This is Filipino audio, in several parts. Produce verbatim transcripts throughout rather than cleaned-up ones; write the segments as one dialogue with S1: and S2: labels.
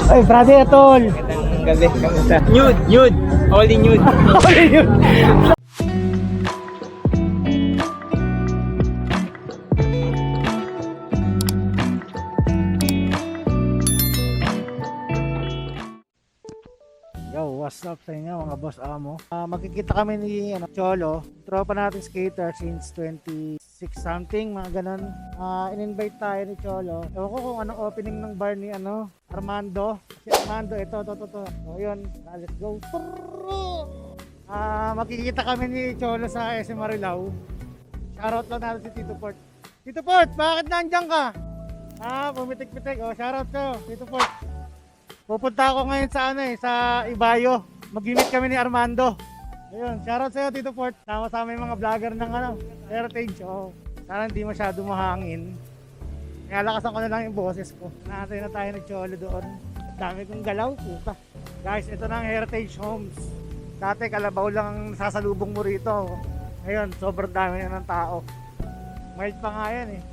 S1: Ay, brother, tol.
S2: Magandang gabi, kamusta? Nude, nude, only nude.
S1: Only nude. Yo, what's up sa inyo mga boss amo? Uh, magkikita kami ni ano, Cholo, tropa natin skater since twenty-six something, mga ganon. Uh, in-invite tayo ni Cholo. Ewan ko kung anong opening ng bar ni ano, Armando. Si Armando, ito, ito, ito, ito. So yun, uh, let's go. Uh, magkikita kami ni Cholo sa S M Marilao. Shoutout lang natin si Tito Port. Tito Port, bakit nandiyan ka? Ah, pumitik-pitik. Oh, shoutout ko, Tito Port. Pupunta ako ngayon sa ano eh, sa Ibayo. Mag-meet kami ni Armando. Ayun, shoutout sa'yo Tito Port. Sama-sama yung mga vlogger ng ano, Heritage. Oh, sana hindi masyado mahangin. Kaya lakasan ko na lang yung boses ko. Nakatay na tayo nag-cholo doon. Dami kong galaw, puta. Guys, ito na ang Heritage Homes. Dati kalabaw lang ang sasalubong mo rito. Ngayon, sobrang dami na ng tao. Mild pa nga yan eh.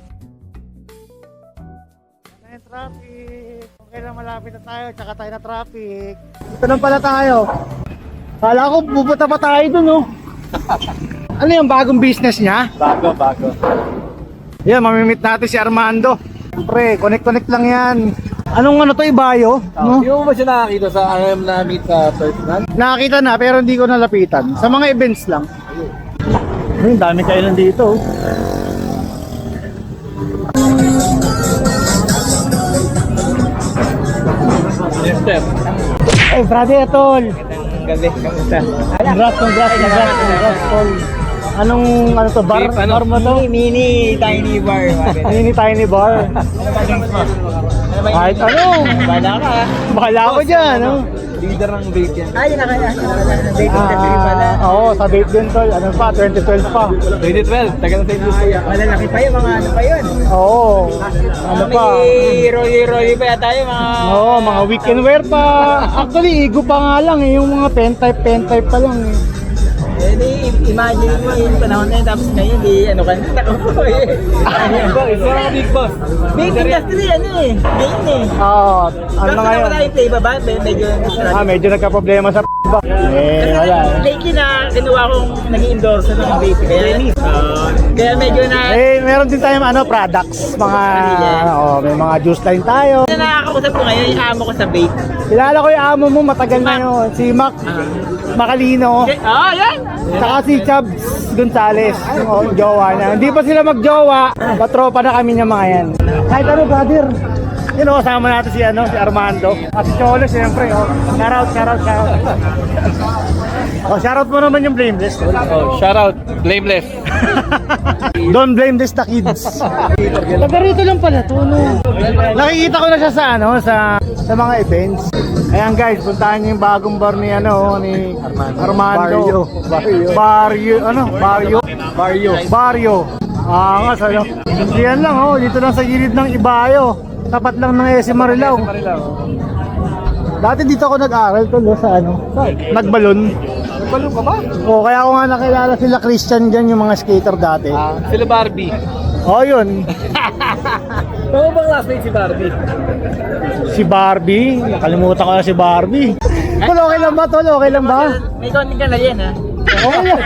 S1: Ano yung traffic? Okay lang, malapit na tayo, tsaka tayo na traffic. Dito lang pala tayo. Kala ko pupunta pa tayo dun, oh. Ano yung bagong business niya?
S2: Bago, bago.
S1: Yan, mamimit natin si Armando. Pre, connect-connect lang yan. Anong ano to, Ibayo? No?
S2: Hindi mo ba siya nakakita sa I am na meet sa personal?
S1: Nakakita na pero hindi ko nalapitan. Sa mga events lang. Ayun, dami kayo nandito.
S2: Yes, sir.
S1: Ay, brother, tol.
S2: Magandang gabi, kamusta?
S1: Congrats, congrats, congrats, congrats, tol. Anong, ano to, bar?
S2: Beef, ano?
S1: Bar mo to?
S2: Mini, mini, tiny bar.
S1: Mini tiny bar. Kahit ano.
S2: Bala ka.
S1: Bahala ako dyan, no?
S2: Leader ng vape yan. Ay, nakaya. Vape industry pala.
S1: Ah, oo, sa vape din, tol. Ano pa, twenty twelve pa.
S2: twenty twelve, tagal na sa industry. Malalaki pa yun, mga ano pa yun.
S1: Oo. Ano pa?
S2: May rolly-rolly pa yata yun, mga...
S1: Oo, mga weekend wear pa. Actually, igo pa nga lang eh. Yung mga pen type, pen type pa lang eh.
S2: Eh, di, imagine mo yung panahon na yun, tapos ngayon, di, ano ka na, ako eh. Big boss, big boss. Big industry, ano eh, game eh.
S1: Oo, ano na
S2: Basta
S1: ngayon?
S2: wala yung flavor ba? Medyo,
S1: Ah, medyo nagka-problema sa ba? Eh, wala.
S2: lately na kinuha kong naging endorser ng vape, kaya, uh, kaya medyo na,
S1: Eh, meron din tayong ano, products, mga, oh, may mga juice line tayo.
S2: na nakakausap ko ngayon, yung amo ko sa vape.
S1: Kilala ko yung amo mo, matagal na yun. Si Mac Macalino.
S2: Okay, oh, yan!
S1: Saka si Chubbs Gonzales, yung oh, jowa niya. Hindi pa sila magjowa, patropa na kami niya mga yan. Kahit ano, brother. Yun o, kasama natin si, ano, si Armando. At si Cholo, siyempre. Oh. Shoutout, shoutout, shoutout. Oh, shoutout mo naman yung Blameless.
S2: Oh, shout out, Blameless.
S1: Don't blame this the kids. Taga rito lang pala to, no? Nakikita ko na siya sa ano, sa sa mga events. Ayan guys, puntahan niyo yung bagong bar ni ano, ni Armando.
S2: Barrio.
S1: Barrio, ano? Barrio.
S2: Barrio.
S1: Barrio. Ah, nga sa ano. Diyan lang oh, dito lang sa gilid ng Ibayo. Tapat lang ng S M Marilao. Dati dito ako nag-aral to, no, sa ano, Nagbalon.
S2: Nagbalon ka ba?
S1: Oh, kaya ako nga nakilala sila Christian diyan, yung mga skater dati.
S2: Ah, sila Barbie.
S1: Oh, yun.
S2: Oo bang classmate si Barbie?
S1: Si Barbie, nakalimutan ko na si Barbie. Tol, okay lang ba? Tol, okay lang ba?
S2: May konting ka na yan, ha?
S1: Okay lang.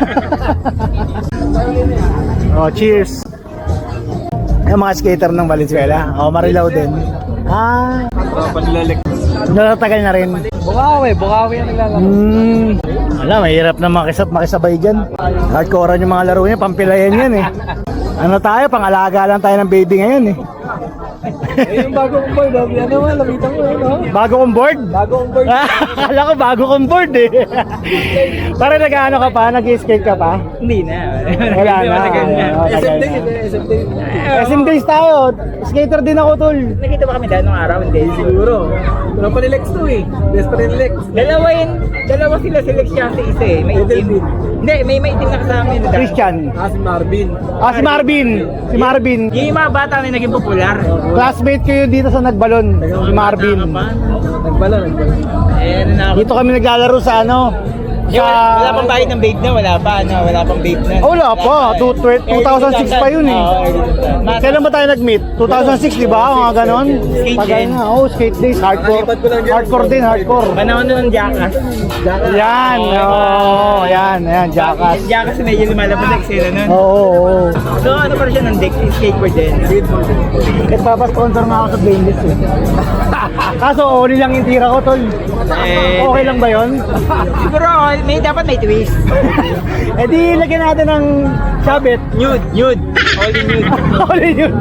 S1: Oh, cheers. Yung mga skater ng Valenzuela. Oh, Marilao din. Ah,
S2: Oh, panlalek.
S1: natagal na rin.
S2: Bukawi, Bukawi ang naglalaro.
S1: Hmm. Wala, mahirap na makisab makisabay dyan. Hardcore yung mga laro niya, pampilayan yan eh. Ano tayo, pangalaga lang tayo ng baby ngayon eh.
S2: Eh, yung bago kong board, ano mo, lapitan mo yun, no?
S1: Bago kong board?
S2: Bago kong board.
S1: Akala ko bago kong board eh. Para nag-ano ka pa, nag-skate ka pa?
S2: Hindi na.
S1: Wala
S2: Hindi
S1: na.
S2: matagal na.
S1: Oo,
S2: S M
S1: tagal
S2: Days,
S1: na.
S2: S M Days.
S1: S M Days tayo. Skater din ako, tol.
S2: Nakita ba kami dahil nung araw? Hindi, siguro. Pero pa ni Lex to eh. Des pa ni Lex. Dalawa yun. Dalawa sila si Lex siya si isa eh. May itim. Hindi, may may itim na kasama yun.
S1: Christian.
S2: Ah, si Marvin.
S1: Ah, si Marvin. Si Marvin.
S2: Yung mga bata na naging popular.
S1: Classmate ko yun dito sa Nagbalon. Si Marvin.
S2: Nagbala, nagbala. Eh, ano na ako.
S1: Dito kami naglalaro sa ano,
S2: Yung, wala pang bayad ng vape na, wala pa, ano, wala pang vape na.
S1: Oh, wala pa. Two- tw- two thousand six pa yun eh.
S2: Oo, early two thousand.
S1: Kailan ba tayo nag-meet? two thousand six, di ba? Mga ganon.
S2: Skate
S1: Tagal
S2: din.
S1: na. Oh, skate days. Hardcore. Hardcore din, hardcore.
S2: Panahon nun ng Jackass.
S1: Yan. Oo, yan. Yan, Jackass.
S2: Jackass medyo lumalabas sa eksena nun.
S1: Oo, oo, oo.
S2: So ano pa rin siya ng deck, skateboard din.
S1: Nagpapasponsor nga ako sa Blameless eh. Kaso, only lang yung tira ko, tol.
S2: Eh,
S1: Okay lang ba yun?
S2: siguro, may, dapat may twist.
S1: Eh di, lagyan natin ng sabit.
S2: Nude, nude. Only nude.
S1: Only yun.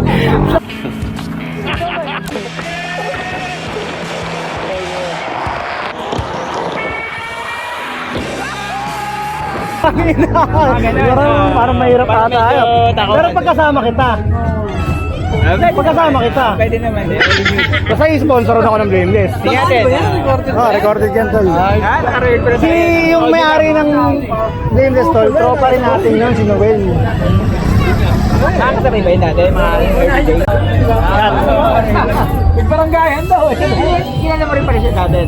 S1: Parang, parang mahirap
S2: Parang
S1: ata.
S2: medyo takot.
S1: Pero pagkasama kita,
S2: Ah, pwede
S1: Pagkasama
S2: naman.
S1: kita.
S2: Pwede naman, eh, only nude.
S1: basta i-sponsoran ako ng Blameless.
S2: Sige natin.
S1: Oh, recorded yan, tol.
S2: Ah, naka-record pa rin
S1: Si
S2: tayo.
S1: yung may-ari ng Blameless, tol, tropa rin natin yun, si Noel.
S2: Nakakasabay ba yun natin? Mga everyday?
S1: Yan.
S2: Baranggayan daw. Kilala mo rin pa rin siya dati.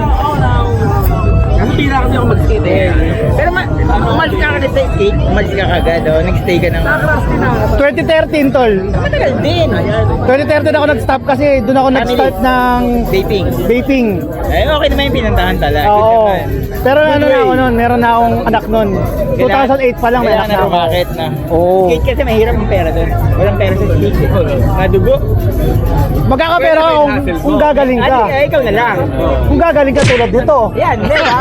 S2: Kasi pila kasi ako mag-skate eh. Pero ma umalis ka agad sa skate, umalis ka agad oh. Nag-stay ka ng...
S1: twenty thirteen, tol.
S2: Matagal din.
S1: twenty thirteen ako nag-stop kasi doon ako nag-start ng
S2: Vaping.
S1: vaping.
S2: Eh, okay naman yung pinantahan tala.
S1: Oo. Pero ano na ako noon, meron na akong anak noon. two thousand eight pa lang may
S2: Kailangan
S1: anak
S2: na
S1: na ako.
S2: rumakit na.
S1: Oo.
S2: Skate kasi mahirap yung pera doon. Walang pera sa skate. Madugo.
S1: Magkakapera ka kung, kung gagaling ka.
S2: Ay, ikaw na lang.
S1: Kung gagaling ka tulad nito.
S2: Yan, di ba?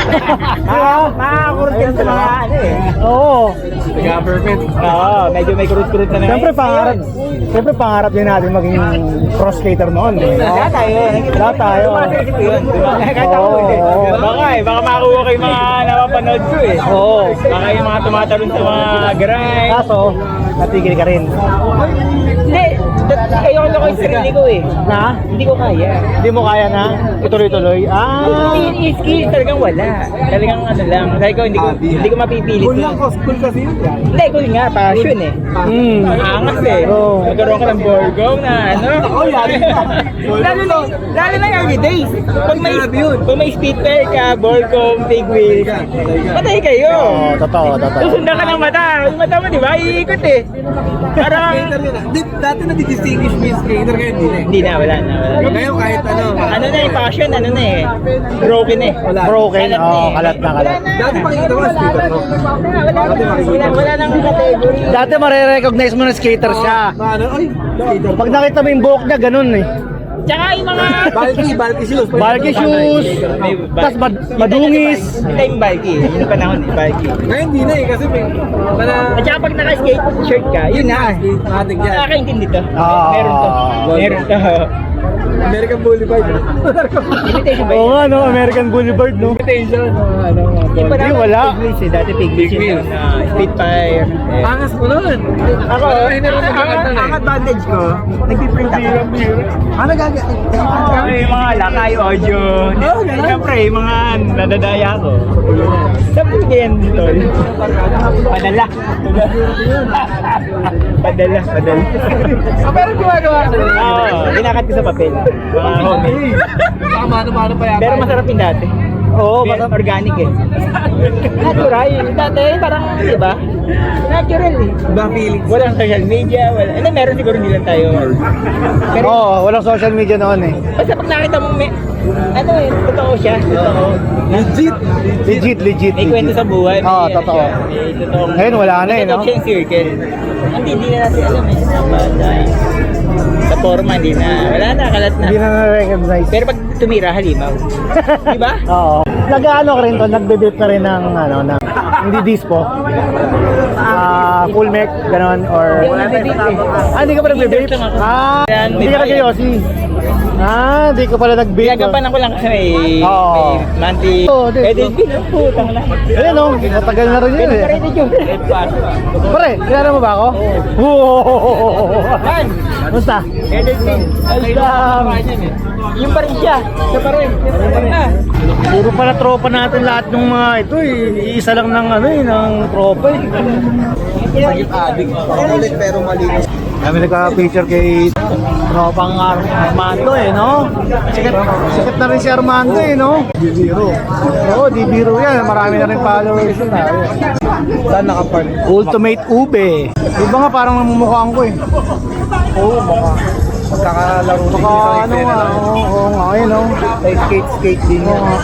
S2: Makakurot ka sa mga ano eh.
S1: Oo.
S2: Government. Oo, medyo may kurut-kurut na naman.
S1: Siyempre pangarap, siyempre pangarap din natin maging pro skater noon. Eh, no?
S2: Lahat tayo.
S1: Lahat tayo.
S2: Sumasisip ko yun. Diba? Kahit ako
S1: Oo,
S2: eh.
S1: oo.
S2: Baka eh, baka makakuha kayo mga napapanood ko eh.
S1: Oo.
S2: Baka yung mga tumatalon sa mga grind.
S1: Kaso, natigil ka rin.
S2: Hindi, dat- ayoko na ko yung sarili ko eh.
S1: Na?
S2: Hindi ko kaya.
S1: Hindi mo kaya na? Ituloy-tuloy? Ah.
S2: Hindi, yung skills talagang wala. Talagang ano lang. Sabi ko, hindi ko, hindi ko mapipilit. Cool lang, cool kasi yun. Hindi, cool nga, passion eh.
S1: Hmm.
S2: Angas eh.
S1: Oo.
S2: Magkaroon ka ng borgong na ano.
S1: Ako, yari na.
S2: lalo na, lalo na early days. Pag may, pag may speed pair ka, borgong, big wheels, patay kayo.
S1: Oo, totoo, totoo.
S2: Susundan ka ng mata. Yung mata mo, di ba? Iikot eh. Parang,
S3: Dati na-distinguish mo yung skater ngayon, hindi na eh.
S2: hindi na, wala na. Wala na.
S3: Ngayon kahit ano.
S2: Ano na yung passion, ano na eh. Broken eh.
S1: Broken?
S2: Kalat na
S1: Oo,
S2: eh.
S1: kalat na, kalat.
S2: Wala na.
S3: Dati makikita mo skater mo.
S2: Wala na. Wala, wala nang category.
S1: Dati marirecognize mo na skater siya.
S3: Paano? Ay, skater.
S1: Pag nakita mo yung buhok niya, ganun eh.
S2: Tsaka yung mga...
S3: Bulky, bulky shoes.
S1: Bulky shoes,
S2: May
S1: tas mad- madungis.
S2: Hindi yung bulky. Yun yung panahon eh, bulky.
S3: Ngayon hindi na eh, kasi may... Mana...
S2: At saka pag naka-skate shirt ka, yun na.
S3: Matik yan.
S2: Nakakaintindi to.
S1: Ah.
S2: Meron to. Meron to.
S3: American Boulevard.
S2: Imitation ba
S1: Oo
S2: yun?
S1: nga no, American Boulevard no.
S3: Imitation. Ano,
S2: Hindi pa
S1: Hindi,
S2: naman
S1: wala.
S2: Big wheels eh. Dati big wheels
S3: Big
S2: yun.
S3: wheels.
S2: Uh, Spitfire. Eh.
S3: Angas mo nun.
S2: Ako,
S3: Ay, naroon
S2: ang,
S3: ka
S2: ang,
S3: kanta na
S2: ang
S3: eh.
S2: advantage ko, nagpiprint ako.
S3: Ano gagawin?
S2: May mga lakay audio.
S3: Oh, ganun.
S2: Siyempre, yung mga nadadaya ko. Sabi ko yan dito. Padala. Padala, padala.
S3: Ah, pero gumagawa ka na.
S2: Oo, ginakat ko sa papel. Mga homemade.
S3: Baka mano-mano pa yata.
S2: Pero masarap yung dati.
S1: Oo,
S2: Pero
S1: masarap.
S2: organic eh. Natural. Dati parang, di ba? Natural eh.
S3: Iba feelings.
S2: Walang social media, wala. Ano, meron siguro hindi lang tayo. Pero
S1: Oo, walang social media noon eh.
S2: basta pag nakita mo may, ano eh, totoo siya, totoo.
S3: Legit.
S1: Legit, legit.
S2: May kwento sa buhay. May,
S1: Oo,
S2: ano
S1: totoo.
S2: siya, May totoong...
S1: Ngayon, wala na eh, no?
S2: May totoong circle. Hindi, hindi na natin alam eh. Sa bata. Sa forma, hindi na. Wala na, kalat na.
S1: Hindi na na-recognize.
S2: Pero pag tumira, halimaw. Di ba?
S1: Oo. Nag-ano ka rin to, nagbe-vape ka rin ng ano, na hindi dispo. Ah, full mech, ganon, or...
S2: Hindi ako nagbe-vape eh.
S1: Ah, hindi ka pa nagbe-vape?
S2: Dessert lang ako.
S1: Ah,
S2: Yan,
S1: hindi
S2: may
S1: ka
S2: bayad.
S1: nag-yosi. Ah, hindi ka pala nag-vape.
S2: Ginagampanan ko lang kasi may,
S1: Oo.
S2: may monthly.
S1: Oo, di-
S2: Pwede din, putang na.
S1: Ayun o, matagal na rin yun
S2: Pwede
S1: eh.
S2: pa rin din yun.
S1: Pare, kilala mo ba ako? Oo.
S2: Man,
S1: Basta?
S2: pwede din.
S1: Alam.
S2: Yung pa rin siya. Siya pa rin. Siya pa rin. Ah.
S1: Puro pala tropa natin lahat ng mga ito eh. Iisa lang ng ano eh, ng tropa eh.
S3: Adik. Pakulit pero malinis.
S1: Kami nagka-picture kay Tropang Ar- Armando eh, no? Sikat, sikat na rin si Armando eh, no? Di biro. Oo, di biro yan. Marami na rin followers yun. ah.
S3: Saan nakapark?
S1: Ultimate Ube. Iba nga parang namumukhaan ko eh.
S3: Oo, baka magkakalaro din
S1: Baka ano nga, oo, oo nga, ayun no?
S3: May skate-skate din
S1: Oo
S3: yan.
S1: nga.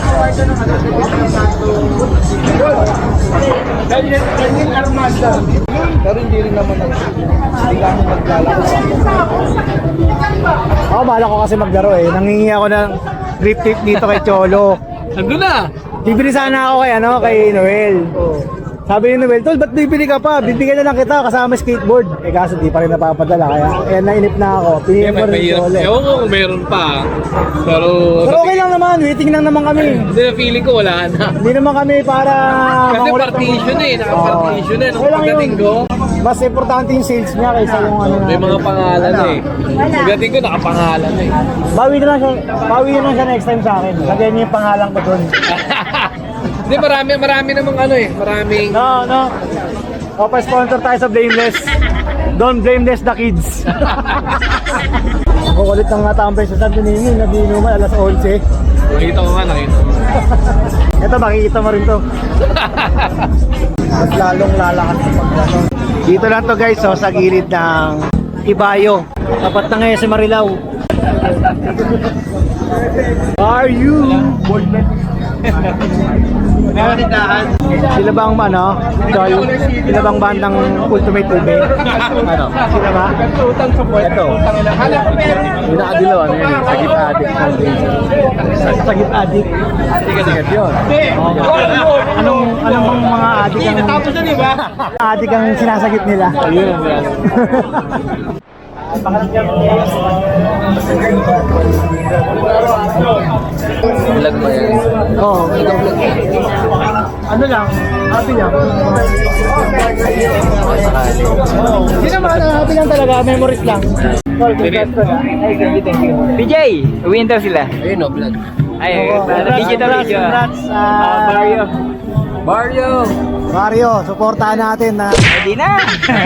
S3: Pero hindi rin naman ang hindi kami maglalaro.
S1: Ako, bahala ko kasi maglaro eh. Nangingi ako ng grip tape dito kay Cholo.
S3: Nandun na!
S1: Bibili sana ako kay ano, kay Noel. Sabi ni Noel, Tol, ba't bibili ka pa? Bibigyan na lang kita kasama skateboard. Eh kaso di pa rin napapadala, kaya, kaya nainip na ako. Pinigyan ko rin si Cholo.
S4: Ewan ko kung meron pa. Pero,
S1: Pero okay lang naman, waiting lang naman kami.
S4: hindi na feeling ko wala na.
S1: Hindi naman kami para...
S4: Kasi
S1: makulit-
S4: partition eh, naka-partition eh. Nung
S1: Okay lang yun.
S4: pagdating ko,
S1: Mas importante yung sales niya kaysa yung ano
S4: may
S1: natin.
S4: mga pangalan eh. Pagdating ko, nakapangalan eh.
S1: Bawi na lang siya, bawi na lang siya next time sa akin. Lagyan niya yung pangalan ko doon.
S4: Hindi, marami, marami namang ano eh. Maraming,
S1: No, no. O, pa-sponsor tayo sa Blameless. Don't blameless the kids. Kukulit ng nga tambay sa Santo Niño, nabinuman alas eleven.
S4: nakita ko nga, nakita ko.
S1: Ito, makikita mo rin to. Mas lalong lalakas sa pagkano. Dito lang to guys, so, sa gilid ng Ibayo. Tapat na ngayon si Marilao. Are you? Sila bang ano? Joy? Sila bang bandang Ultimate Ube? Ano? Sila ba? Ito. Yung nakadilaw, ano yun? Sagit addict. Sagit addict. Sagit yun. Anong, anong bang mga addict ang... Addict ang sinasagit nila?
S4: Ayun ang yan. Vlog mo yan.
S1: Oo. Ano lang? Happy lang. Hindi naman, happy lang talaga. Memories lang. Tol, congrats tol, ah. Ay, thank you, thank you.
S2: P J, uwiin daw sila.
S4: Ayun o, vlog.
S2: Ay,
S1: Oo,
S2: para video daw
S1: congrats,
S2: video.
S1: congrats,
S2: Ah,
S1: ah,
S2: Mario.
S4: Mario!
S1: Mario, supportahan natin na.
S2: Hindi na.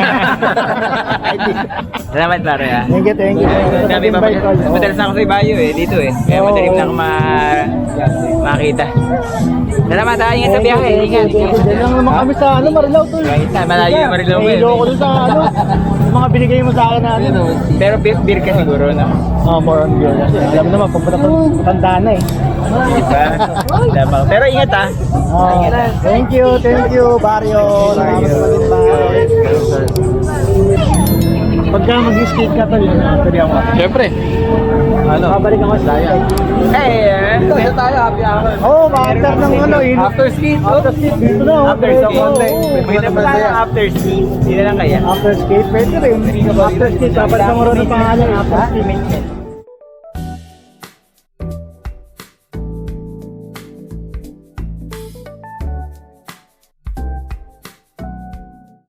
S2: Salamat pare ah.
S1: Thank you, thank you.
S2: Sabi pa, madalas na ako sa Ibayo eh, dito eh. Kaya
S1: Oo.
S2: madaling na ako ma makita. Salamat ah, ingat sa biyahe. Ingat.
S1: Diyan lang naman kami sa ano, Marilao tol.
S2: Kahit na, malayo yung Marilao mo
S1: eh.
S2: eh.
S1: Iloko dun sa ano, yung mga binigay mo sa akin na ano.
S2: Pero beer, beer ka siguro no?
S1: Oh, more on beer. Alam mo naman, papunta pa tanda na eh.
S2: Diba? Diba? Pero ingat ah.
S1: Oh, thank you, thank you, Barrio. Salamat sa mag-invite. Pagka mag-skate ka tol, pwede ako.
S4: Siyempre.
S1: Ano? Babalik ako sa daya.
S2: Eh,
S4: Ito, ito tayo, happy hour.
S1: Oo, oh, after ng ano, in
S4: After skate, oh.
S1: after skate dito na. oh.
S2: after
S1: Pwede,
S2: skate.
S1: oo, oo.
S2: Maganda pa tayo after skate. Hindi na lang kaya.
S1: After skate, pwede rin. After skate, dapat sa muro ng pangalan, after skate.